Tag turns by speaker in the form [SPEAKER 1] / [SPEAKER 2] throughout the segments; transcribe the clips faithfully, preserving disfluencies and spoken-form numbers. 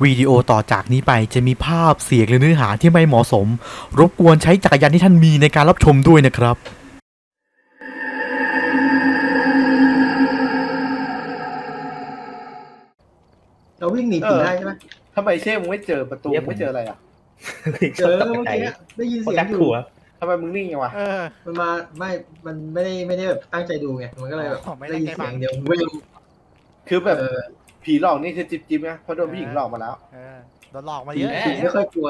[SPEAKER 1] วิดีโอต่อจากนี้ไปจะมีภาพเสียงหรือเนื้อหาที่ไม่เหมาะสมรบกวนใช้จักรยานที่ท่านมีในการรับชมด้วยนะครับ
[SPEAKER 2] เราวิ่งหนีผีได้ใช่ไหม
[SPEAKER 3] ทำไมเช่มึงไม่เจอประตูไม่เจออะไรอ่ะ
[SPEAKER 2] เจอเมื่อกี้ได้ยินเสียงอยู่
[SPEAKER 3] ทำไมมึงนิ่งยังวะ
[SPEAKER 2] มันมาไม่มันไม่ได้ไม่ได้แบบตั้งใจดูไงมันก็เลยแบบได้ยินเสียงเดียวไม่รู้
[SPEAKER 3] คือแบบผีหลอกนี่คือจิ๊บจิ๊บไงเพราะโดนผู้หญิงหลอกมาแล้ว
[SPEAKER 1] โดนหลอกมาเยอะ
[SPEAKER 2] ไม่ค่อยกลัว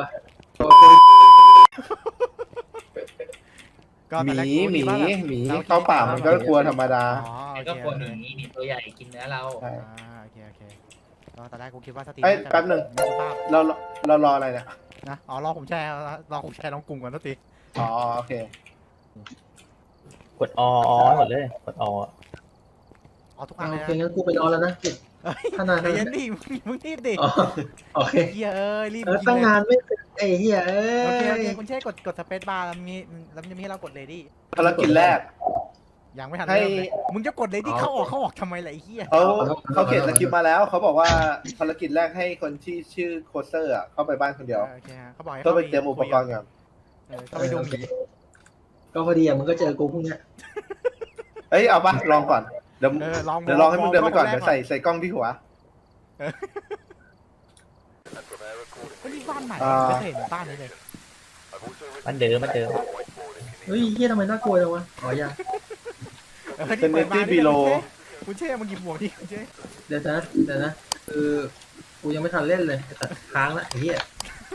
[SPEAKER 3] หมีหมีหมีเข้าป่ามันก็กลัวธรรมดา
[SPEAKER 4] ก็กลัวหมีหมีตัวใหญ่กินเนื้อเรา
[SPEAKER 1] โอเคโอเคตอนแรกกูคิดว่าสติ
[SPEAKER 3] แป๊บหนึ่งเราเรารออะไรเนี่ย
[SPEAKER 1] นะอ๋อรอผมแชร์รอผมแชร์น้องกลุ่มก่อนสติ
[SPEAKER 3] อ๋อโอเค
[SPEAKER 5] กดออหมดเลยกดอ
[SPEAKER 1] เอาทุกอันเลย
[SPEAKER 2] โอเคงั้นกูไปนอนแล้วนะขนาด
[SPEAKER 1] นั้นยันดิมึงรีบดิ
[SPEAKER 2] โอเค
[SPEAKER 1] เฮียเอ้ยรีบ
[SPEAKER 2] ตั้งนานไม่ไอ้เฮียเอ้ย
[SPEAKER 1] โอเคโอเคคุณเช่กดกดสเปซบาร์แล้วมีแล้วจะมีให้เรากดเลดี้
[SPEAKER 3] ภารกิจแรก
[SPEAKER 1] ยังไม่ทันเริ่มเลยมึงจะกดเลดี้เข้าออกเข้าออกทำไมล่ะไอ้เฮีย
[SPEAKER 3] เขาเขาเขียนสคริปต์มาแล้วเขาบอกว่าภารกิจแรกให้คนที่ชื่อโคเซอร์อ่ะเข้าไปบ้านคนเดียว
[SPEAKER 1] โอเคเขาบอกให้
[SPEAKER 3] ต้องไปเตรียมอุปกรณ์ก่อน
[SPEAKER 1] เข้าไปดูหมี
[SPEAKER 2] ก็พอดีอ่ะมึงก็เจอกูพวกเนี้ย
[SPEAKER 3] เอ้ยเอาปะลองก่อนเดี๋ยวเดี๋ยวลองให้มึงเดินไปก่อนเดี๋ยวใส่ใส่กล้องที่หัว
[SPEAKER 1] ก็นี่บ้านใหม่จะเห็นบ้านนี้เลย
[SPEAKER 5] มันเดิมมันเดิม
[SPEAKER 2] เฮ้ยเฮียทำไมน่ากลัวจังวะอ๋อยัง
[SPEAKER 3] เป็นเนตี้บีโล
[SPEAKER 1] คุณเช่มึงหยิบหมวกดิคุณเช่
[SPEAKER 2] เดี๋ยวนะเดี๋ยวนะคือกูยังไม่ทันเล่นเลยแต่ค้างละไอ้เหี้ย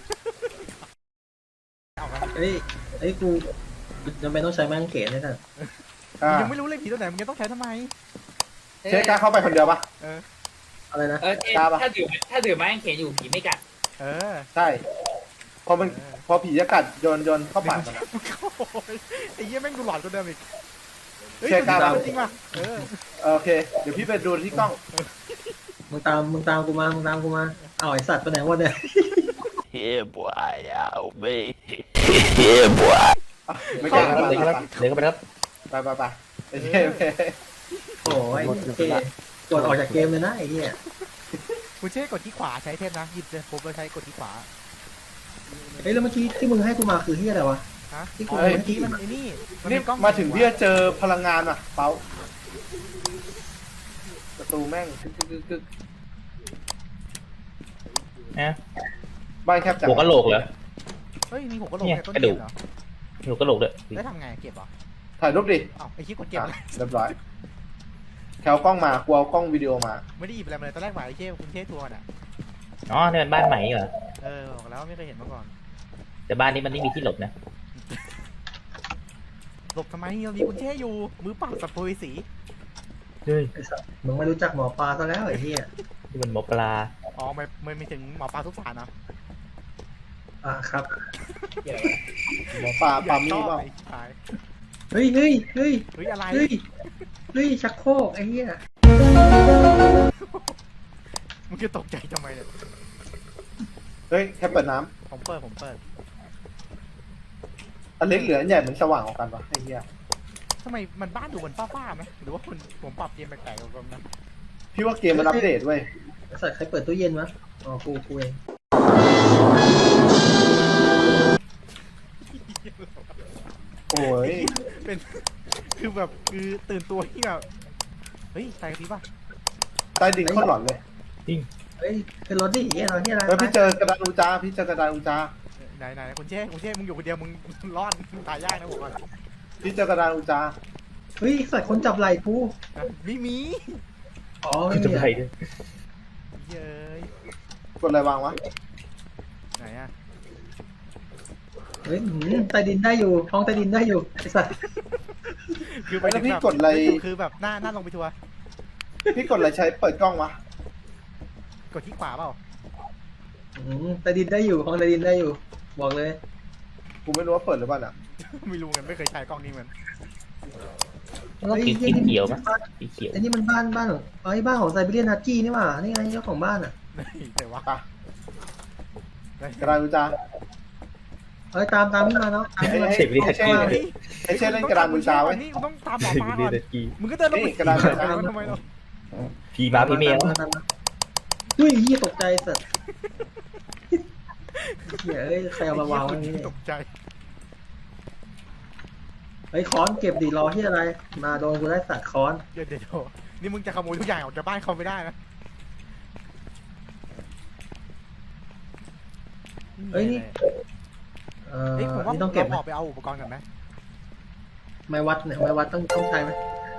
[SPEAKER 2] เฮ้ยไอ้กูจำเป็นต้องใช้แมงเขนเลยท่าน
[SPEAKER 1] ยังไม่รู้เลยผีตัวไหนมึงจะต้องใช้ทำไม
[SPEAKER 3] เช่กล้าเข้าไปคนเดียวปะ
[SPEAKER 2] เอออะไรนะ
[SPEAKER 4] เออถ้าถือถ้าถือแมงเขนอยู่ผีไม่กัด
[SPEAKER 1] เออ
[SPEAKER 3] ใช่พอมันพอผีจะกัดโยนโยนเข้าปากมัน
[SPEAKER 1] ไอ้เหี้ยแม่งดูหลอนกว่าเดิมอีก
[SPEAKER 3] เช่กล้า
[SPEAKER 1] จริงป่ะเออ
[SPEAKER 3] โอเคเดี๋ยวพี่ไปดูที่กล้อง
[SPEAKER 2] มึงตามมึงตามกูมามึงตามกูมาเอาไอสัตว์ไปไหนวะเนี่ย
[SPEAKER 5] เฮ้ยบอยเอาไปเฮ้ยบอย
[SPEAKER 3] ไม่กล้า
[SPEAKER 5] เด็กครับเด็กครับ
[SPEAKER 3] ไปไปไปโอเคโอเค
[SPEAKER 2] โอ้ยโอเคกดออกจากเกมเลยนะไอ้เหี้ย
[SPEAKER 1] คุณเช่กดที่ขวาใช้เทปนะหยิบเลยผมไปใช้กดที่ขวา
[SPEAKER 2] เฮ้ยแล้วเมื่อกี้ที่มึงให้กูมาคือที่อะไรวะ
[SPEAKER 1] ฮะที่กูเมื่อกี้มันไอ้นี่
[SPEAKER 3] นี่มาถึงที่จะเจอพลังงานอ่ะเปาประตูแม่งกึกกึกกึก
[SPEAKER 5] นะ
[SPEAKER 3] บ้านแคบจัง
[SPEAKER 5] หัวกะโหลกเหรอ
[SPEAKER 1] เฮ้ยมีหัวกะโหลก
[SPEAKER 5] กระดูกหัวกะโหลกเลย
[SPEAKER 1] ได้ทำไงเก็บเหรอ
[SPEAKER 3] ถ่ายรูปดิ
[SPEAKER 1] อ้าวไอ้ชี้กดเก็บ
[SPEAKER 3] เรียบร้อยแถวกล้องมากูเอากล้องวิดีโอมา
[SPEAKER 1] ไม่ได้หยิบอะไรมาเลยตอนแรกหมายไอ้เช่คุณเช่ทัวร์น่ะ
[SPEAKER 5] อ๋อเนี่ยเป็นบ้านใหม่เหรอ
[SPEAKER 1] เออบอกแล้วไม่เคยเห็นมาก่อน
[SPEAKER 5] แต่บ้านนี้มันไม่มีที่หลบนะ
[SPEAKER 1] หลบทำไมเรามีคุณเช่อยู่มือปราบสัตว์ปุยสี
[SPEAKER 5] เฮ้ย
[SPEAKER 2] มึงไม่รู้จักหมอปลาซะแล้วไอ้เหี้ย
[SPEAKER 5] ที่มันหมอปลา
[SPEAKER 1] อ๋อไม่ไม่ไม่ถึงหมอปลาทุกสารนะ
[SPEAKER 2] อ่ะครับ
[SPEAKER 3] หมอปลาปลามีเปล่า
[SPEAKER 2] เฮ้ยเฮ้ยเฮ้ย
[SPEAKER 1] เฮ้ยอะไร
[SPEAKER 2] เฮ้ยเฮ้ยชักโครกไอ้เหี้ย
[SPEAKER 1] มึงจะตกใจทำไมเนี่ย
[SPEAKER 3] เฮ้ยแค่เปิดน้
[SPEAKER 1] ำผมเปิดผมเปิด
[SPEAKER 3] อันเล็กเหลืออันใหญ่เหมือนสว่างออกกันวะไอ้เหี้ย
[SPEAKER 1] ทำไมมันบ้านดูเหมือนฟ้าๆไหมหรือว่าคุณผมปรับเกมแปลกๆกันนะ
[SPEAKER 3] พี่ว่าเกมมันอัปเดตเว้ย
[SPEAKER 2] สัตว์ใครเปิดตู้เย็นวะอ๋อกูกูเอง
[SPEAKER 3] โอ้ย
[SPEAKER 1] เป็นคือแบบคือตื่นตัวที่แบบเฮ้ยใส่กระพริบป่ะ
[SPEAKER 3] ใต้ดินโคตรหลอนเลย
[SPEAKER 5] จริง
[SPEAKER 2] เฮ้ยเป็นรถดิเฮ้ยเราที่อะไร
[SPEAKER 3] แล้วพี่เจอกระดานอูจาพี่เจอกระดานอูจา
[SPEAKER 1] ไหนไหนคุณเช่คุณเช่มึงอยู่คนเดียวมึงรอดตายยากนะผมก่อน
[SPEAKER 3] พี่เจอกระดานอูจา
[SPEAKER 2] เฮ้ยสัตว์คนจับไหล่กู
[SPEAKER 1] ไม่มี
[SPEAKER 2] อ๋อไม่
[SPEAKER 5] มีอะไรด้วย
[SPEAKER 1] เย้ย
[SPEAKER 3] กดอะไรวางวะ
[SPEAKER 1] ไหนอะ
[SPEAKER 2] เฮ้ยใต้ดินได้อยู่ท้องใต้ดินได้อยู่ไอ้สัตว์
[SPEAKER 3] คือไปแล้วพี่กดอะไร
[SPEAKER 1] คือแบบหน้าหน้าลงไปทัวร์
[SPEAKER 3] พี่กดอะไรใช้เปิดกล้องวะ
[SPEAKER 1] กดที่ขวาเปล่า
[SPEAKER 2] ใต้ดินได้อยู่ท้องใต้ดินได้อยู่บอกเลย
[SPEAKER 3] กูไม่รู้ว่าเปิดหรือเปล่าอ่ะ
[SPEAKER 1] ไม่รู้กันไม่เคยใช้กล้องนี้เหมือน
[SPEAKER 5] แล้วสีเขียวมั้ยสีเขียว
[SPEAKER 2] ไอ้นี่มันบ้านบ้านของไอ้บ้านของไซบีเรียนฮัสกี้นี่หว่านี่ไงเจ้าของบ้านอ่ะ
[SPEAKER 1] แต่ว่
[SPEAKER 3] ากระดานอูจา
[SPEAKER 2] เฮ้ยตามตามพี่มาเนาะ
[SPEAKER 3] ไอ้เช่ไอ้เช่เล่นกระดานอูจาไว้
[SPEAKER 1] นี่กูต้องตามหมอปลาก่อนมึงก็เดินลงไป
[SPEAKER 3] กระดานอูจา
[SPEAKER 1] ทำไมเรา
[SPEAKER 5] พี่มาพี่เมย์
[SPEAKER 2] อุ้ยยี่ตกใจสัตว์เหี้ยเอ้ยใครเอามาวางไว้นี่
[SPEAKER 1] ตกใจ
[SPEAKER 2] เฮ้ยค้อนเก็บดีรอที่อะไร มาโดนกูได้สัตว์ค้อน
[SPEAKER 1] เดี๋ยวเดี๋ยวนี่มึงจะขโมยทุกอย่างออกจากบ้านเขาไม่ได้นะ
[SPEAKER 2] เฮ้ยนี่ เอ่อ
[SPEAKER 1] เฮ้ยผมว่า
[SPEAKER 2] นี่ต้องเก็บไหม
[SPEAKER 1] เราออกไปเอาอุปกรณ์กันไหม
[SPEAKER 2] ไม้วัดเนี่ยไม้วัดต้องต้องใช้ไหม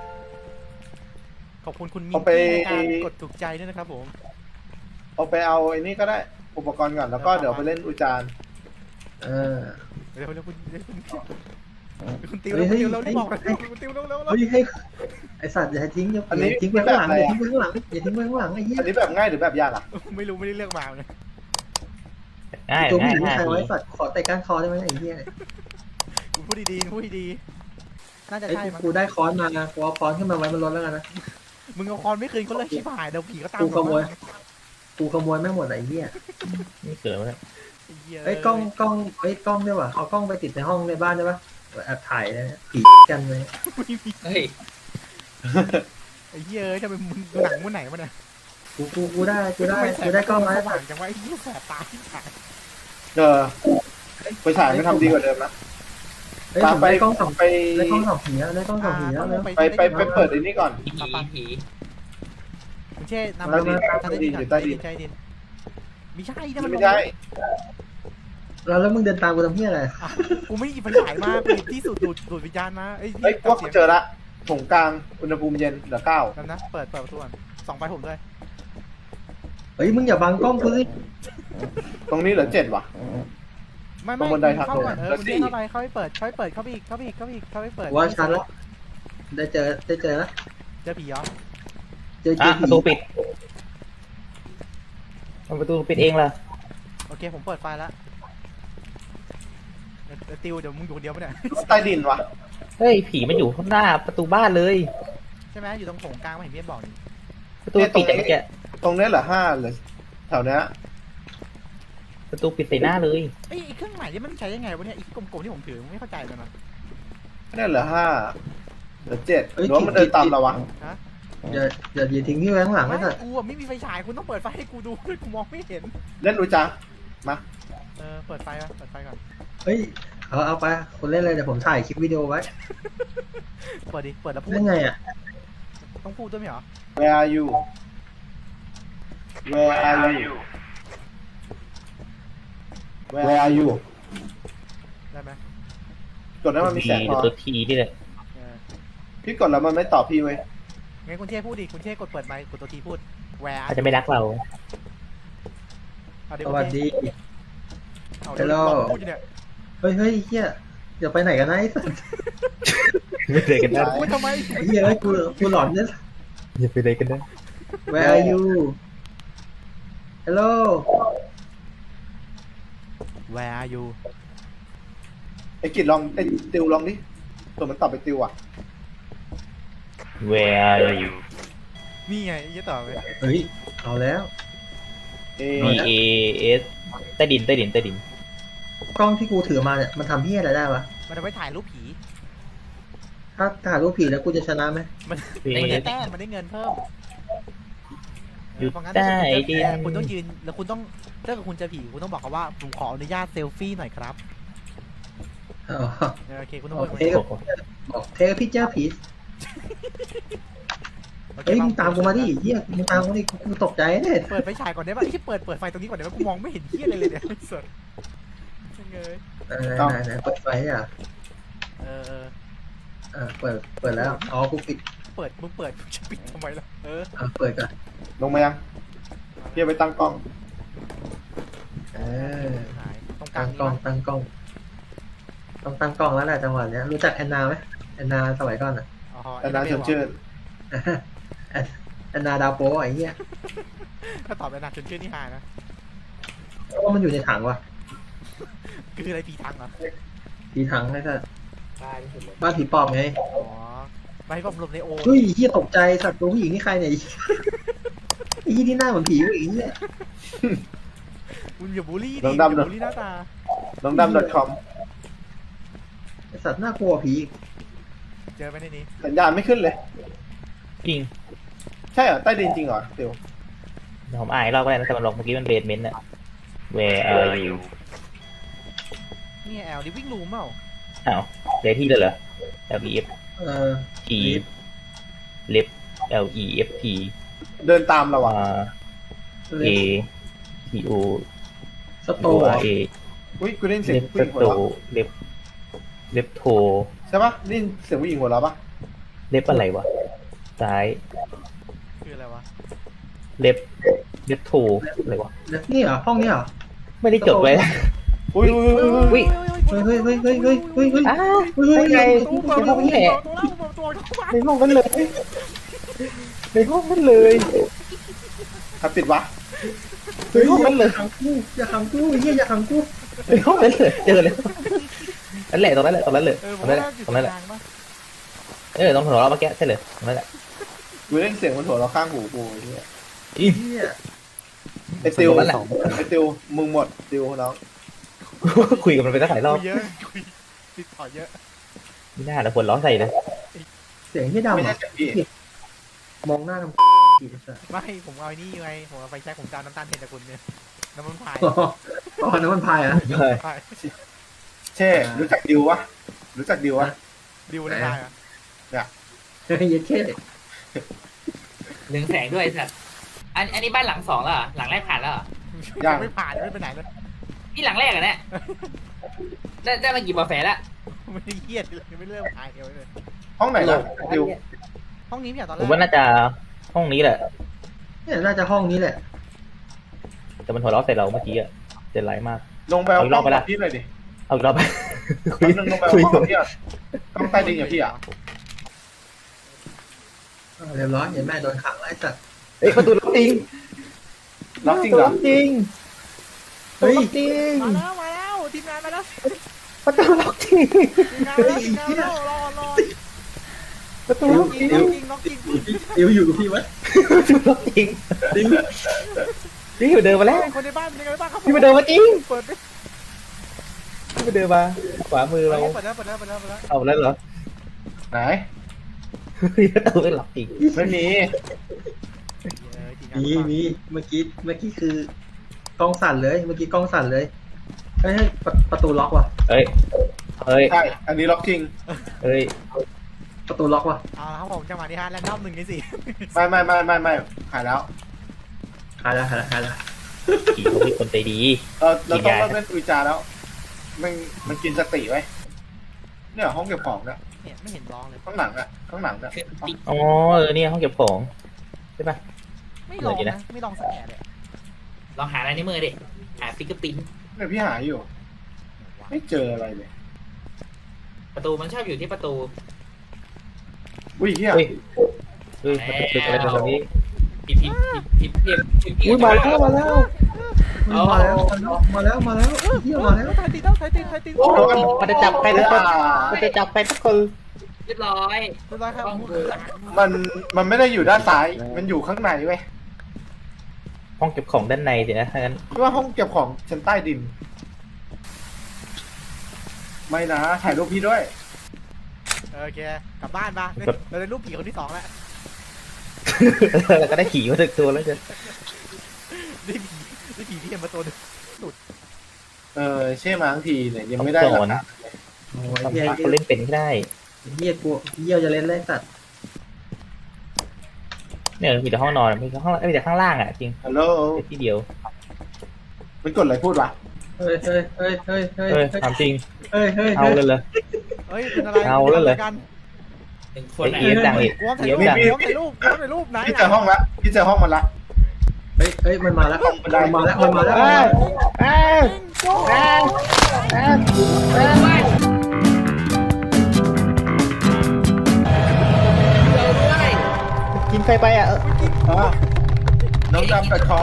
[SPEAKER 1] ขอบคุณคุณมิน
[SPEAKER 3] เอาไป
[SPEAKER 1] ที่ในการกดถูกใจด้วยนะครับผม
[SPEAKER 3] เอาไปเอาไอ้นี่ก็ได้อุปกรณ์ก่อนแล้วก็เดี๋ยวไปเล่นอุจาร
[SPEAKER 2] เออ
[SPEAKER 1] เร็วเร็วคุณเร็วคุณคุณติว
[SPEAKER 2] เฮ้
[SPEAKER 1] เร็
[SPEAKER 2] ยว
[SPEAKER 1] คุณติวเร็ว
[SPEAKER 2] เฮ้
[SPEAKER 1] รี
[SPEAKER 2] ย
[SPEAKER 1] บบอกเลย
[SPEAKER 2] เฮ้ย
[SPEAKER 1] คุณติวเร็วเร็วเร็ว
[SPEAKER 2] เฮ้ยให้ไอสัตว์อย่าให้ทิ้งอย่า
[SPEAKER 3] อันนี้
[SPEAKER 2] อย่าทิ้งไว้ข้างหลังอย่าทิ้งไว้ข้างหลังอย่าทิ้งไว้ข้างหลังไอ้เหี้ย
[SPEAKER 3] อันนี้แบบง่ายหรือแบบยากอ่ะ
[SPEAKER 1] ไม่รู้ไม่ได้เลือกมาเลย
[SPEAKER 6] ง่าย
[SPEAKER 2] ตัวผู้
[SPEAKER 6] ง่า
[SPEAKER 2] ห
[SPEAKER 6] ย
[SPEAKER 2] ญิง
[SPEAKER 6] ง่าย
[SPEAKER 2] ใครไว้สัตว์ขอแต่ก้านคอได้ไหมไอ้เหี้ย
[SPEAKER 1] คุณพูดดีๆคุณพูดดีๆน่าจะ
[SPEAKER 2] ไอ้
[SPEAKER 1] ใช่
[SPEAKER 2] กู
[SPEAKER 1] มั้ง
[SPEAKER 2] กูได้ค้อนมานะกูเอาค้อนขึ้นมาไว้บนรถแล้วกันนะ
[SPEAKER 1] มึงเอาคอนไม่คืนเขาเลยชิบหายเดี๋ยวผีก็ตาม
[SPEAKER 2] กูขโมย กูขโมยแม่งหมดไอ้เหี้ย
[SPEAKER 6] นี่เกิดมาแล้ว
[SPEAKER 2] เอ้ยกล้องกล้องเอ้ยกล้องด้วยว่ะเอากล้องไปติดในห้องในบ้านได้ปะแอบถ่ายเลยนะผีกันเลย
[SPEAKER 4] เฮ้ย
[SPEAKER 1] ไอ้เหี้ยเอ้ยจะเป็นมึงหนังมึงไหนมาเนี่ย
[SPEAKER 2] กูกูกูได้กูได้กูได้กล้องมา
[SPEAKER 1] ส
[SPEAKER 2] ให้
[SPEAKER 1] ว่างจังวะไอ้เหี้ยแสบตาที่ถ่าย
[SPEAKER 3] เออไปฉายไม่ทำดีกว่าเดิมนะ
[SPEAKER 2] เฮ้ย
[SPEAKER 3] ตา
[SPEAKER 2] ผม ม
[SPEAKER 3] ไป
[SPEAKER 2] ได้กล้องสอง
[SPEAKER 3] ไป
[SPEAKER 2] ได้กล้องสองผีแล้วได้กล้องสองผีแล้วแล้ว
[SPEAKER 3] ไปไปไปเปิดไอ้นี่ก่อน
[SPEAKER 4] ผีผี
[SPEAKER 1] คุณเช่นำ
[SPEAKER 3] ใต้ดิน
[SPEAKER 1] ทางใต้ดินก่อน
[SPEAKER 3] อยู่ใต้
[SPEAKER 1] ใต้
[SPEAKER 3] ดิ
[SPEAKER 1] ดิ
[SPEAKER 3] น
[SPEAKER 1] นใต้ดินไม่ใช่นะมัน
[SPEAKER 3] ไม่ได้
[SPEAKER 2] แล้วแล้วมึงเดินตามกูทำเหี้ยอะไร
[SPEAKER 1] อ้าวกูไม่หยิบไฟฉายมากูหยิบที่สุดดูดดูดวิญญาณมาไอ้
[SPEAKER 3] เฮ้ยพวกเจอละถงกลางอุณหภูมิเย็นเหลือเก้า
[SPEAKER 1] แล้วนะเปิดเปิดประตูก่อนส่องไฟผมด้วย
[SPEAKER 2] เฮ้ยมึงอย่าบังกล้องกูสิ
[SPEAKER 3] ตรงนี้เหลือเจ็ดว่ะ
[SPEAKER 1] ไม่
[SPEAKER 3] ตร
[SPEAKER 1] ไม่
[SPEAKER 3] งบันไดทาง
[SPEAKER 1] เข้าก่อน
[SPEAKER 3] ลง
[SPEAKER 1] เออ
[SPEAKER 3] แล้ว
[SPEAKER 1] คุณ
[SPEAKER 3] สี่
[SPEAKER 1] เช่เข้าไปเข้าไปเปิดเข้าไปเปิดเข้าไปอีกเข้าไปอีกเข้าไปอีกเข้าไปอีกเข้าไปเปิด
[SPEAKER 2] ว่าชันแล้วได้เจอได้เจอแล้ว
[SPEAKER 1] เจอผีเหรอ
[SPEAKER 2] เจอเจ
[SPEAKER 6] อ่ะ
[SPEAKER 2] อ
[SPEAKER 6] ป
[SPEAKER 2] ผี
[SPEAKER 6] ระตูปิดเอาประตูปิดเองล่ะ
[SPEAKER 1] โอเคผมเปิดไฟแล้วเดี๋ยวเดี๋ยวติวเดี๋ยวมึงอยู่คนเดียวปะเนี่ย
[SPEAKER 3] ใต้ดินว่ะ
[SPEAKER 6] เฮ้ยผีมันอยู่ข้างหน้าประตูบ้านเลย
[SPEAKER 1] ใช่ไหมอยู่ตรงโถงกลางไม่เห็นพี่บอกนี่
[SPEAKER 6] ประตูปิดแต่เมื่อกี้
[SPEAKER 3] ตรงนี้เหลือห้าเหลือแถวเนี้ย
[SPEAKER 6] ประตูปิดใส่หน้าเลย
[SPEAKER 1] ไอ้ยไอ้เครื่องหมายนี่มันใช้ยังไงวะเนี่ยไอ้กลมๆที่ผมถือไม่เข้าใจเลยนะ
[SPEAKER 3] เนี่ยเหลือห้าเหลือเจ็ดหรือว่ามันเดินตามเราวะ
[SPEAKER 1] ฮะ
[SPEAKER 2] อย่าอย่าอย่าทิ้งที่ไว้ข้างหลัง
[SPEAKER 1] ไม่
[SPEAKER 2] ไอ้สัตว์
[SPEAKER 1] กูอะไม่มีไฟฉายคุณต้องเปิดไฟให้กูดูด้วยกูมองไม่เห็น
[SPEAKER 3] เล่นอุจามา
[SPEAKER 1] เออเปิดไฟมาเปิดไฟก่อน
[SPEAKER 2] เฮ้ยเอาเอาไปคนเล่นเลยเดี๋ยวผมถ่ายคลิปวิดีโอไว้
[SPEAKER 1] เปิดดิเปิดแล้วพูด
[SPEAKER 2] เล่นไงอ่ะ
[SPEAKER 1] ต้องพูดด้วยไหมเหรอ
[SPEAKER 3] Where are you Where are you Where are you
[SPEAKER 1] ได้ไหม
[SPEAKER 3] กดแล้วมันมีแสงพอ
[SPEAKER 6] ตัวทีนี่แหละ
[SPEAKER 1] เออ
[SPEAKER 3] พี่กดแล้วมันไม่ตอบพี่เว้ย
[SPEAKER 1] งั้นคุณเช่พูดดิคุณเช่กดเปิดไมค์กดตัวทีพูดแหว
[SPEAKER 6] อาจจะไม่รักเรา
[SPEAKER 1] เอา
[SPEAKER 2] ส
[SPEAKER 1] เดี๋ยว
[SPEAKER 2] วัสดี
[SPEAKER 1] เอาเดี๋ยว
[SPEAKER 2] Hello
[SPEAKER 1] บอกพูดอยู่เนี่ย
[SPEAKER 2] เฮ้ยเฮ้ยเฮียอย่าไปไหนกันนะไอ้สัตว์
[SPEAKER 6] ไม่เลยกันได้
[SPEAKER 1] พูดทำไม
[SPEAKER 2] ไอ้เฮียเอ้ยกูกูหลอนเนี่ย
[SPEAKER 6] อย่าไปเลยกันได้
[SPEAKER 2] Where are you Hello
[SPEAKER 1] Where are you
[SPEAKER 3] ไอ้กิดลองไอ้ติวลองดิตัวมันตอบไปติวอ่ะ
[SPEAKER 6] Where are you
[SPEAKER 1] นี่ไงยี่ต่อไป
[SPEAKER 2] เฮ้ยเอาแล้ว
[SPEAKER 3] เอ
[SPEAKER 6] B A S ใต้ดินใต้ดินใต้ดิน
[SPEAKER 2] กล้องที่กูถือมาเนี่ยมันทำเฮียอะไรได้วะ
[SPEAKER 1] มันเอาไว้ถ่ายรูปผี
[SPEAKER 2] ถ้าถ่ายรูปผีแล้วกูจะชนะไหม
[SPEAKER 1] มัน
[SPEAKER 6] B
[SPEAKER 1] มัน
[SPEAKER 6] A
[SPEAKER 1] ได้
[SPEAKER 6] S
[SPEAKER 1] แต้มมันได้เงินเพิ่ม
[SPEAKER 6] อยู่
[SPEAKER 1] เพราะงั้น
[SPEAKER 6] ใต้
[SPEAKER 1] ถ้า
[SPEAKER 6] ดิน
[SPEAKER 1] คุณต้องยืนแล้วคุณต้องถ้าเกิดคุณเจอผีคุณต้องบอกเขาว่าผมขออนุญาตเซลฟี่หน่อยครับ
[SPEAKER 2] อ๋อ
[SPEAKER 1] เออโอเคคุณต้อง
[SPEAKER 2] โอ
[SPEAKER 1] พูด
[SPEAKER 2] เค
[SPEAKER 6] โอ้โห
[SPEAKER 2] บอกเทคพิเจอร์ผี
[SPEAKER 1] โอค
[SPEAKER 2] เฮ้ยมึงตามกูมาดิเฮียมึงตามกูดิกูตกใจเนี่ย
[SPEAKER 1] เปิดไฟฉายก่อนได้ป่ะที่เปิดเปิดไฟตรงนี้ก่อนได้ป่ะกูมองไม่เห็นเหี้ยอะไรเลยเนี่ยสดเงย
[SPEAKER 2] ไหนไหนไหนเปิดไฟอ่ะ
[SPEAKER 1] เออเออ
[SPEAKER 2] อ่าเปิดเปิดแล้วอ๋อกูปิด
[SPEAKER 1] เปิดมึงเปิดมึงจะปิดทำไมล่ะเออ
[SPEAKER 2] อ่าเปิดก่อน
[SPEAKER 3] ลงมายังพี่เอาไปตั้งกล้อง
[SPEAKER 2] เออ
[SPEAKER 1] หายตรงกลา
[SPEAKER 2] ตั้
[SPEAKER 1] ง
[SPEAKER 2] ง
[SPEAKER 1] นี้
[SPEAKER 2] กล้องตั้งกล้องต้องตั้งกล้องแล้วแหละจังหวะเนี้ยรู้จักแอนนาไหมแอนนาสมัยก่อนอ่ะ
[SPEAKER 1] อ๋อ
[SPEAKER 3] แต่นั้นชวนชื่น
[SPEAKER 2] แอนแอนนาดาวโป้ไอ้เหี้ย
[SPEAKER 1] ถ้าตอบเป็นหนักจนชื่อนี่หายนะ
[SPEAKER 2] เพราะว่ามันอยู่ในถังว่ะ
[SPEAKER 1] คืออะไรผีทังเหรอ
[SPEAKER 2] ผีถังไอ้สัส
[SPEAKER 4] บ้าที่สุดเลย
[SPEAKER 2] บ้านผีปอบไง
[SPEAKER 1] อ๋อไม่ให้ผมหลบในโอ
[SPEAKER 2] เฮ้ยเหี้ยตกใจสัตว์ตัวผู้หญิงนี่ใครเนี่ยไอ้เหี้ยที่หน้าเหมือนผีผู้หญิงเนี่ย
[SPEAKER 1] คุณอย่าบูลลี่ดิ
[SPEAKER 3] ลอง
[SPEAKER 1] อย่า
[SPEAKER 3] ดำหน่อย
[SPEAKER 1] บูลลี่หน้าตา
[SPEAKER 3] น้องดำ .com
[SPEAKER 2] ไอ้สัตว์น่ากลัวผีอีก
[SPEAKER 1] เจอไหมในนี้
[SPEAKER 3] สัญญาณไม่ขึ้นเลย
[SPEAKER 6] จริง
[SPEAKER 3] ใช่เหรอใต้ดินจริงเหรอติว
[SPEAKER 6] เดี๋ยวผมอ่านอีกรอบก็ได้นะแต่มันลงเมื่อกี้มันเบสเมนต์อะ Where are you
[SPEAKER 1] เนี่ยแอลนี่วิ่งรูมเปล่า
[SPEAKER 6] อ้าวเดที่เลยเหรอ L E F
[SPEAKER 2] เออ
[SPEAKER 6] T left L E F T
[SPEAKER 3] เดินตามเราอ่ะ
[SPEAKER 6] R
[SPEAKER 2] เล
[SPEAKER 6] A T O
[SPEAKER 2] สโต
[SPEAKER 6] O
[SPEAKER 2] ร์
[SPEAKER 6] R A
[SPEAKER 3] อุ้ยกูได้ยินเสียง
[SPEAKER 6] left
[SPEAKER 3] ผู้หญิงหัว
[SPEAKER 6] โต
[SPEAKER 3] เราะ
[SPEAKER 6] left left toe
[SPEAKER 3] ใช่ปะได้ยินเสียงผู้หญิงหัวเราะปะ
[SPEAKER 6] left อะไรวะซ้าย
[SPEAKER 1] คืออะไรวะ
[SPEAKER 6] left left toe อะไรวะ
[SPEAKER 2] แล้วนี่เหรอห้องนี้เหรอ
[SPEAKER 6] ไม่ได้จดไว้
[SPEAKER 3] อุ้ยอุ้ยอุ้ยอุ้ย
[SPEAKER 6] อุ้ย
[SPEAKER 2] เฮ้ยเฮ้ยเฮ้ยเฮ้ยเฮ้ยเฮ้ยเฮ้ย
[SPEAKER 6] อ้าว
[SPEAKER 2] เฮ้ยเฮ้ย
[SPEAKER 6] ไง
[SPEAKER 2] เฮ้ย
[SPEAKER 6] ในห้องนี้แหละ
[SPEAKER 1] ตัวเล่าตัวตัวเข้ามา
[SPEAKER 6] ในห้องนั้นเลยในห้องนั้นเลย
[SPEAKER 3] ใครปิดวะ
[SPEAKER 6] ในห้องนั้นเลย
[SPEAKER 2] ขังกูอย่าขังกูเฮียอย่าขังกู
[SPEAKER 6] ในห้องนั้นเลยเจอเลยนั่นแหละตรงนั้นแหละตรงนั้นเลย
[SPEAKER 1] เออ
[SPEAKER 6] ต
[SPEAKER 1] ผ
[SPEAKER 6] ร
[SPEAKER 1] ม
[SPEAKER 6] งนั้น
[SPEAKER 1] ว่า
[SPEAKER 6] แหละ
[SPEAKER 1] อยู่
[SPEAKER 6] ตรงนั้นแหละ
[SPEAKER 1] กลางปะ
[SPEAKER 6] เออตรงถนนเราเมื่อกี้ใช่เลยตรงนั้นแหละ
[SPEAKER 3] กูได้ยินเสียงบนหัวเราะข้างหูกูไอ้เนี่ย
[SPEAKER 6] อี
[SPEAKER 2] เฮีย
[SPEAKER 3] ไอ้ติว
[SPEAKER 6] ตรงนั้นแหละ
[SPEAKER 3] ไอ้ติวมึงหมดติวน้อง
[SPEAKER 6] คุยกับมันไปตั้งหลายรอบ
[SPEAKER 1] คุยเยอะคุยติดต่อเยอะ
[SPEAKER 6] ไม่น่าแต่คนร้องใส่เลย
[SPEAKER 2] เสียงที่ดำ
[SPEAKER 3] ไม่
[SPEAKER 2] อ่ะ
[SPEAKER 3] ใช่เสียงพี่
[SPEAKER 2] มองหน้าทำกี่สัส
[SPEAKER 1] ไม่ผมเอาไอ้นี่ไงผมเอาไฟแช็กผมจะเอาน้ำตาลเทนจากคุณเนี่ยน้ำมันพาย
[SPEAKER 2] อ๋ออ๋อน้ำมันพายอ่ะ
[SPEAKER 1] พาย
[SPEAKER 3] เช่รู้จักดิววะรู้จักดิววะ
[SPEAKER 1] ดิวน้ำพายอ่ะ
[SPEAKER 2] เฮ้ยเย็ดเข้
[SPEAKER 4] เรืองแสงด้วยสัตว์อันอันนี้บ้านหลังสองแล้วเหรอหลังแรกผ่านแล้วเหรอ
[SPEAKER 1] ยังไม่ผ่านยังไม่ไปไหนเลย
[SPEAKER 4] นี่หลังแรกอะเนี่ยได้ได้มากี่บอแฟแล้ว
[SPEAKER 1] ไม่ได้เครียดเลยยังไม่เริ่มพายเดียวเลย
[SPEAKER 3] ห้องไหนนะดิว
[SPEAKER 1] ห้องนี้ไม่ใช่ตอนแร
[SPEAKER 6] ผม
[SPEAKER 1] ก
[SPEAKER 6] ว่าน่าจะห้องนี้แหละ
[SPEAKER 2] เนี่ยน่าจะห้องนี้แหละ
[SPEAKER 6] แต่มันหัวเราะใส่เราเมื่อกี้อะเจ็บไรมาก
[SPEAKER 3] ลงไปเอา
[SPEAKER 6] เอาอีก
[SPEAKER 3] ก
[SPEAKER 6] ร
[SPEAKER 3] ล้
[SPEAKER 6] อ
[SPEAKER 3] อบ ง
[SPEAKER 6] ไปละ
[SPEAKER 3] กับพี่หน่อยดิ
[SPEAKER 6] เอาอีกรอบไปคุ
[SPEAKER 3] แป๊
[SPEAKER 6] ย
[SPEAKER 3] บนึงลงไปเอา
[SPEAKER 6] คุย
[SPEAKER 3] กล้องกับพี่อ่ะกล้องใต้ดินกับพี่อ่ะ
[SPEAKER 2] อ่าเรียบร้อยเห็นแม่โดนขังแล้วไอ้สัส
[SPEAKER 6] เอ้ยประตูล็อกจริง
[SPEAKER 3] ล็อกจริงเหรอ
[SPEAKER 6] จริง
[SPEAKER 2] เฮ้ย
[SPEAKER 6] ล็อกจริง
[SPEAKER 1] มาแล้วมาแล้วทีมงานมาแล้ว
[SPEAKER 6] ประตูล็อกจริง
[SPEAKER 1] ทีมงานมาแล้วทีมงานมาแล้วรอรอ
[SPEAKER 6] ประตู
[SPEAKER 1] ล็
[SPEAKER 6] ล็
[SPEAKER 1] อ
[SPEAKER 6] อก ก
[SPEAKER 1] จ
[SPEAKER 6] จ
[SPEAKER 1] ริ
[SPEAKER 6] ริ
[SPEAKER 1] ง
[SPEAKER 6] ง
[SPEAKER 1] ล็อกจริงล็อกจริง
[SPEAKER 2] ดิวอยู่กับพี่วะ
[SPEAKER 6] ประตูล็อกจริง
[SPEAKER 2] ดิว
[SPEAKER 6] จริงอยู่เดินมาแล้ว
[SPEAKER 1] คนในบ้านเป็นยังไงบ้างครับ
[SPEAKER 6] พี่มาเดินมาจริง
[SPEAKER 1] เปิดดิ
[SPEAKER 6] พี่มาเดินมาขวามือเรา
[SPEAKER 1] เปิดแล้วเปิดแล้วเปิดแล้วเปิดแล้ว
[SPEAKER 6] เอาแล้วเหรอ
[SPEAKER 3] ไหน
[SPEAKER 6] ประตูไม่ล็อกจริง
[SPEAKER 3] ไม่มี
[SPEAKER 2] มีมีเมื่อกี้เมื่อกี้คือกล้องสั่นเลยเมื่อกี้กล้องสั่นเลยเฮ้ยเฮ้ยประประตูล็อกว่ะ
[SPEAKER 6] เฮ้ยเฮ้ย
[SPEAKER 3] ใช่อันนี้ล็อกจริง
[SPEAKER 6] เฮ้ย
[SPEAKER 2] ประตูล็อกว่ะ
[SPEAKER 1] เอาละครับผมจังหวะนี้ฮะแรนดอมหนึ่งในสี่
[SPEAKER 3] ไม่ไม่ไม่ไม่ไม่หายแล้ว
[SPEAKER 2] หายแล้วหายแล้วหายแล้ว
[SPEAKER 6] ผีเขาเป็นคนใจดี
[SPEAKER 3] เออเราต้องเริ่มเล่นอุจจาแล้วมันมันกินสติไว้เนี่ยห้องเก็บของเนี่ย
[SPEAKER 1] เนี่ยไม่เห็นร้องเลย
[SPEAKER 3] ข้างหลังอะข้างหลังอะ
[SPEAKER 6] อ๋อเออเนี่ยห้องเก็บของใช่ปะ
[SPEAKER 1] ไม่ลองนะไม่ลองสักแอะเลย
[SPEAKER 4] ลองหาอะไรในมือดิหาฟิกเกอร์ปิ้น
[SPEAKER 3] เนี่ยพี่หาอยู่ ไม่เจออะไรเลย
[SPEAKER 4] ประตูมันชอบอยู่ที่ประตู
[SPEAKER 3] อุ้ยเฮีย
[SPEAKER 6] เฮ้ยเฮ้ยมันตึกอะไรกันตรงนี้
[SPEAKER 4] พิมพ์พิมพ์พิมพ์พิมพ์พิมพ์พิมพ์
[SPEAKER 6] อุ้ยมาแล้วมาแล้ว
[SPEAKER 2] มาแล้วมาแล้วมาแล้วเฮียมาแล้ว
[SPEAKER 1] ไทยติดแล้วไทยติดไทยติด
[SPEAKER 6] มันจะจับใครทุกคนมันจะจับใครทุกคน
[SPEAKER 4] เรียบร้อย
[SPEAKER 1] เรียบร้อยครับ
[SPEAKER 3] มันมันไม่ได้อยู่ด้านซ้าย มันอยู่ข้างในเว้ย
[SPEAKER 6] ห้องเก็บของด้านในสินะถ้างั้น
[SPEAKER 3] พี่ว่าห้องเก็บของชั้นใต้ดิน ไม่นะถ่ายรูปพี่ด้วย
[SPEAKER 1] โอเคกลับบ้านปะเราได้รูปผีคนที่สองแล้ว
[SPEAKER 6] แล้วก็ได้ขี่มาถึงตัวแล้วจะ
[SPEAKER 1] ได้ผีได้ผีที่เห็นมาตัวนึง
[SPEAKER 3] เออเช่มาทั้งทีเนี่ยยังไม่ได้หลักฐาน
[SPEAKER 2] โอ้ย
[SPEAKER 6] ทำ
[SPEAKER 2] เฮีย
[SPEAKER 6] พาเขาเล่นเป็นไม่ได้
[SPEAKER 2] เฮียกูเฮียจะเล่นเล่นสัตว์
[SPEAKER 6] เนี่ยมีแต่ห้องนอนมีแต่ห้องมีแต่ข้างล่างอ่ะจริง
[SPEAKER 3] ฮัลโหล
[SPEAKER 6] แต่ที่เดียว
[SPEAKER 3] มันกดอะไรพูดวะ
[SPEAKER 2] เฮ้ยเฮ้ยเฮ้ยเฮ้ยเฮ้ย
[SPEAKER 6] เฮ้ยถามจริง
[SPEAKER 2] เฮ้ยเฮ้ย
[SPEAKER 6] เอาเลยเลย
[SPEAKER 1] เฮ้ยเป็นอะไร
[SPEAKER 6] เอาแล้วเหรอ
[SPEAKER 1] กัน
[SPEAKER 4] หนึ่งคน
[SPEAKER 6] ไอ้
[SPEAKER 4] อ่ะ
[SPEAKER 6] เอียงดังอีก
[SPEAKER 1] กวมถ่าย
[SPEAKER 6] เอีย
[SPEAKER 1] รู
[SPEAKER 6] ง
[SPEAKER 1] ป
[SPEAKER 6] ดัง
[SPEAKER 1] กวมถ่ายรูปกวมถ่ายรูปไหน
[SPEAKER 3] พี่เจอห้องละพี่เจอห้องมันละ
[SPEAKER 2] เฮ้ยเฮ้ยมันมาแล้วมันมาแล้วมันมาแล้ว
[SPEAKER 6] อ้าวอ้าวอ้าวอ้าวอ้าว กินใครไปอ่ะ
[SPEAKER 3] อ๋อน้องดำกับคอ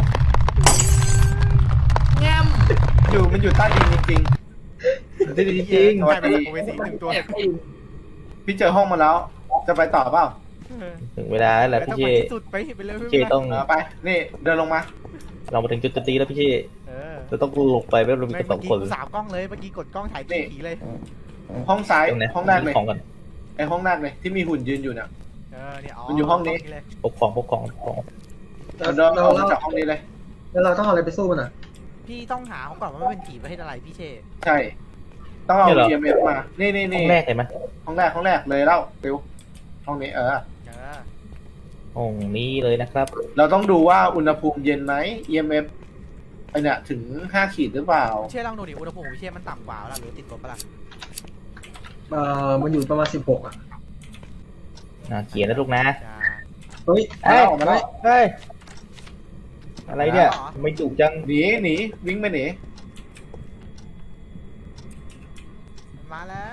[SPEAKER 4] แง้ม
[SPEAKER 3] อยู่มันอยู่ใต้ดินจริง
[SPEAKER 6] จริงจริง
[SPEAKER 1] ใช่เป็นโอเวสีหนึ่งตัว
[SPEAKER 4] แอบไปดู
[SPEAKER 3] ๆพี่เจอห้องมาแล้ว จะไปต่อเปล่า
[SPEAKER 6] ถึงเวลาแล้วแหละ
[SPEAKER 1] ต้อ
[SPEAKER 6] พี่
[SPEAKER 1] ง
[SPEAKER 6] เช
[SPEAKER 1] ไปที่สุดไปไปเลย
[SPEAKER 6] พี่เชต้อง
[SPEAKER 3] เออไป นี่เดินลงมา
[SPEAKER 6] เรามาถึงจุดตีแล้วพี่เช
[SPEAKER 1] เออ
[SPEAKER 6] เราต้องลงไปไม่เรามี
[SPEAKER 1] เมื่
[SPEAKER 6] กันส
[SPEAKER 1] อ
[SPEAKER 6] อง
[SPEAKER 1] กี้
[SPEAKER 6] คน
[SPEAKER 1] กูสามกล้องเลยเมื่อกี้กดกล้องถ่ายผีเลย
[SPEAKER 3] ห้องซ้าย
[SPEAKER 6] ตรงไหน
[SPEAKER 3] ห้องแรกเลย
[SPEAKER 6] ของก่อน
[SPEAKER 3] ไอห้องแรกเลยที่มีหุ่นยืนอยู่เนี่ย
[SPEAKER 1] เออเนี่ย
[SPEAKER 3] มันอยู่ห้องนี้
[SPEAKER 1] เลย
[SPEAKER 6] ปกของปกของปกของ
[SPEAKER 2] แล้ว
[SPEAKER 3] เรา
[SPEAKER 2] เรา
[SPEAKER 3] เอา
[SPEAKER 2] เรา
[SPEAKER 3] จากห้องนี้เลย
[SPEAKER 2] แล้วเราต้องเอาอะไรไปสู้มันอ่ะ
[SPEAKER 1] พี่ต้องหาเขาก่อนว่ามันเป็นผีประเภทอะไรพี่เช
[SPEAKER 3] ใช่ ต้องเอา
[SPEAKER 6] เนี่ยเหรอ
[SPEAKER 3] อี เอ็ม เอฟ มา นี่นี่
[SPEAKER 6] ห้
[SPEAKER 3] นี่
[SPEAKER 6] องแรกเห็นไหม
[SPEAKER 3] ห้องแรกห้องแรกเลยเล่าฟิวห้องนี้เออ
[SPEAKER 1] เออ
[SPEAKER 6] ห้องนี้เลยนะครับ
[SPEAKER 3] เราต้องดูว่าอุณหภูมิเย็นไหม อี เอ็ม เอฟ ไอเนี่ยถึงห้าขีดหรือเปล่า
[SPEAKER 1] พี่เชลองดูดิอุณหภูมิของพี่เชมันต่ำกว่าแล้วหรือติดลบปะล่ะ
[SPEAKER 2] เอ่อมันอยู่ประมาณสิบหกอ่ะ
[SPEAKER 6] อ่าเขียนนะลูกนะ
[SPEAKER 1] จะ
[SPEAKER 2] เฮ้ย
[SPEAKER 3] เอ้ยมาแล้ว
[SPEAKER 6] เฮ้ย อะไรเนี่ยไม่จุกจัง
[SPEAKER 3] หนีหนีวิ่งไปหนี
[SPEAKER 1] มาแล้ว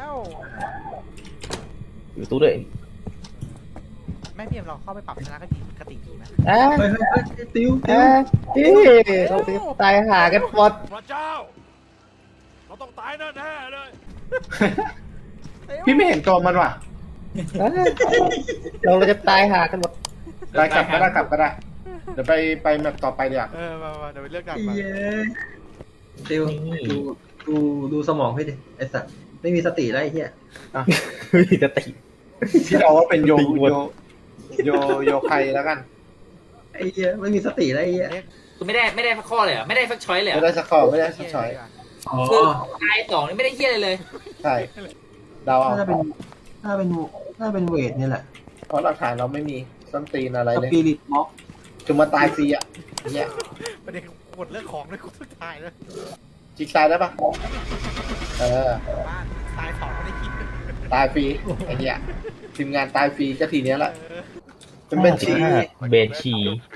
[SPEAKER 6] อยู่ตู้ด้วย
[SPEAKER 1] แม่พี่เอ็มเราเข้าไปปรับทัศนคติคติดีไหม
[SPEAKER 6] อ่า
[SPEAKER 2] เฮ้ยเฮ้ยเฮ้ยติวติ
[SPEAKER 6] อ่าว พี่เราไปตายหากันหมด
[SPEAKER 5] พระเจ้า เราต้องตายแน่ๆเลย
[SPEAKER 3] พี่ไม่เห็นตัวมันว่ะ
[SPEAKER 6] อ่าเราเราจะตายหากันหมด
[SPEAKER 3] ไปกลับก็ได้กลับก็ได้ เดี๋ยวไปไปแมปต่อไปเดี๋ยว
[SPEAKER 1] เออมามาเดี๋ยวไปเลือกกัน
[SPEAKER 2] ไอ้
[SPEAKER 1] มา
[SPEAKER 2] เย้ยติวดูดูดูสมองพี่ดิไอ้สัตว์ไม่มีสติแล้วไอ้เหี้ย
[SPEAKER 6] ไม่มีสติ
[SPEAKER 3] ที่เราว่าเป็นโย
[SPEAKER 6] ติดหมด
[SPEAKER 3] โยโยโยใครแล้วกัน
[SPEAKER 2] ไอ้เหี้ยไม่มีสติแล้วไอ้เหี้ย
[SPEAKER 1] เรียก
[SPEAKER 4] คือไม่ได้ไม่ได้สักข้อเลยเหรอไม่ได้สักช้อยเลยเหร
[SPEAKER 3] ไม่
[SPEAKER 4] อ
[SPEAKER 3] ได้สกอร์ไม่ได้สชอย
[SPEAKER 2] อ๋อ
[SPEAKER 4] คือตายสองนี่ไม่ได้เฮี้ยอะไรเลย
[SPEAKER 3] ใช่เดาเอา
[SPEAKER 2] น่าจะเป็นน่าเป็นน่าเป็นเวทนี่แหละ
[SPEAKER 3] เพราะหลักฐานเราไม่มีส้นตีนอะไร
[SPEAKER 2] ส
[SPEAKER 3] เลย
[SPEAKER 2] ปิริตม็อก
[SPEAKER 3] จะมาตายฟรีอ่ะเนี่ย
[SPEAKER 1] ประเด็นกดเลือกของด้วยกูสุดท้ายเลย
[SPEAKER 3] จิกตายได้ปะเออ
[SPEAKER 1] บ้านตายสองไม่ได้คิด
[SPEAKER 3] ตายฟรีไอ้เนี่ยทีมงานตายฟรีก็ทีเนี้ยแหละเป็นบัญชี
[SPEAKER 6] เบนชี